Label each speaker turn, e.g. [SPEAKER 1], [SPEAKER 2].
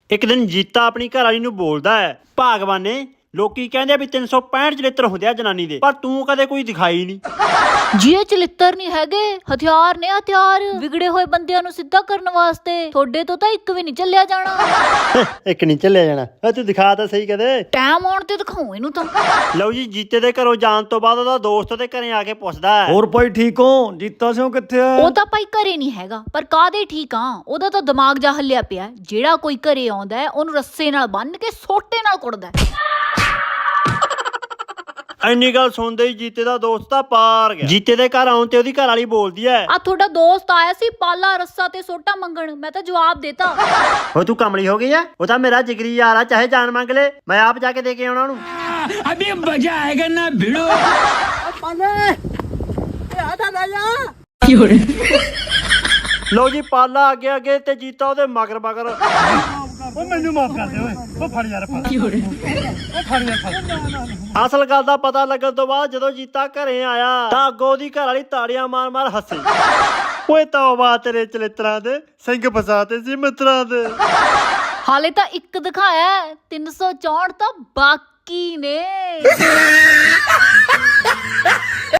[SPEAKER 1] ਇੱਕ ਦਿਨ ਜੀਤਾ ਆਪਣੀ ਘਰ ਵਾਲੀ ਨੂੰ ਬੋਲਦਾ ਹੈ, ਭਗਵਾਨ ਨੇ ਲੋਕੀ ਕਹਿੰਦੇ ਵੀ 365 ਚਲਿੱਤਰ ਹੁੰਦੇ ਆ ਜਨਾਨੀ ਦੇ, ਪਰ ਤੂੰ ਕਦੇ ਕੋਈ ਦਿਖਾਈ ਨਹੀਂ।
[SPEAKER 2] ਜੀ ਇਹ ਚਲਿੱਤਰ ਨਹੀਂ ਹੈਗੇ, ਹਥਿਆਰ ਨੇ ਹਥਿਆਰ, ਵਿਗੜੇ ਹੋਏ ਬੰਦਿਆਂ ਨੂੰ ਸਿੱਧਾ ਕਰਨ ਵਾਸਤੇ। ਤੁਹਾਡੇ ਤੋਂ ਤਾਂ ਇੱਕ ਵੀ ਨਹੀਂ ਚੱਲਿਆ ਜਾਣਾ।
[SPEAKER 1] ਇੱਕ ਨਹੀਂ ਚੱਲਿਆ ਜਾਣਾ, ਤੂੰ ਦਿਖਾ ਤਾਂ ਸਹੀ ਕਦੇ।
[SPEAKER 2] ਟਾਈਮ ਆਉਣ ਤੇ ਦਿਖਾਉ ਇਹਨੂੰ ਤਾਂ।
[SPEAKER 1] ਲਓ ਜੀ, ਜੀਤੇ ਦੇ ਘਰੋਂ ਜਾਣ ਤੋਂ ਬਾਅਦ ਉਹਦਾ ਦੋਸਤ ਉਹਦੇ ਘਰੇ ਆ ਕੇ ਪੁੱਛਦਾ ਹੈ,
[SPEAKER 3] ਹੋਰ ਭਾਈ ਠੀਕ ਹੋ? ਜੀਤਾ ਸਿੰਘ ਕਿੱਥੇ ਆ?
[SPEAKER 2] ਉਹ ਤਾਂ ਭਾਈ ਘਰੇ ਨਹੀਂ ਹੈਗਾ, ਪਰ ਕਾਹਦੇ ਠੀਕ ਆ, ਉਹਦਾ ਤਾਂ ਦਿਮਾਗ ਜਾ ਹੱਲਿਆ ਪਿਆ। ਜਿਹੜਾ ਕੋਈ ਘਰੇ ਆਉਂਦਾ ਹੈ ਉਹਨੂੰ ਰੱਸੇ ਨਾਲ ਬੰਨ੍ਹ ਕੇ ਸੋਟੇ ਨਾਲ ਕੁੱਟਦਾ।
[SPEAKER 1] ਇੰਨੀ ਗੱਲ ਸੁਣਦੇ ਹੀ ਜੀਤੇ ਦਾ ਦੋਸਤ ਤਾਂ ਪਾਰ ਗਿਆ। ਜੀਤੇ ਦੇ ਘਰ ਆਉਣ ਤੇ ਉਹਦੀ ਘਰ ਵਾਲੀ ਬੋਲਦੀ ਹੈ,
[SPEAKER 2] ਆ ਤੁਹਾਡਾ ਦੋਸਤ ਆਇਆ ਸੀ ਪਾਲਾ ਰੱਸਾ ਤੇ ਸੋਟਾ ਮੰਗਣ, ਮੈਂ ਤਾਂ ਜਵਾਬ ਦੇਤਾ।
[SPEAKER 1] ਹੋ ਤੂੰ ਕਮਲੀ ਹੋ ਗਈ ਆ? ਉਹ ਤਾਂ ਮੇਰਾ ਜਿਗਰੀ ਯਾਰ ਆ, ਚਾਹੇ ਜਾਨ ਮੰਗ ਲੈ, ਮੈਂ ਆਪ ਜਾ ਕੇ ਦੇ ਕੇ ਆਉਣਾ ਉਹਨੂੰ।
[SPEAKER 4] अभी मजा आएगा ना भिड़ो।
[SPEAKER 1] ਲਓ ਜੀ, ਪਾਲਾ ਅੱਗੇ ਅੱਗੇ ਤੇ ਜੀਤਾ ਉਹਦੇ ਮਗਰ ਮਗਰ। ਉਹ ਮੈਨੂੰ ਮਾਫ ਕਰ ਦੇ ਓਏ, ਉਹ ਫੜ ਯਾਰ, ਫੜ ਯਾਰ। ਅਸਲ ਗੱਲ ਦਾ ਪਤਾ ਲੱਗਣ ਤੋਂ ਬਾਅਦ ਜਦੋਂ ਜੀਤਾ ਘਰੇ ਆਇਆ ਤਾਂ ਅੱਗੋਂ ਉਹਦੀ ਘਰ ਵਾਲੀ ਤਾੜੀਆਂ ਮਾਰ ਮਾਰ ਹੱਸੀ। ਓਏ ਤੌਬਾ ਤੇਰੇ ਚਲਿੱਤਰਾਂ ਦੇ, ਸਿੰਘ ਫਸਾਤੇ ਸੀ ਮਿੱਤਰਾਂ ਦੇ।
[SPEAKER 2] ਹਾਲੇ ਤਾਂ ਇੱਕ ਦਿਖਾਇਆ, 364 ਤਾਂ ਬਾਕੀ ਨੇ।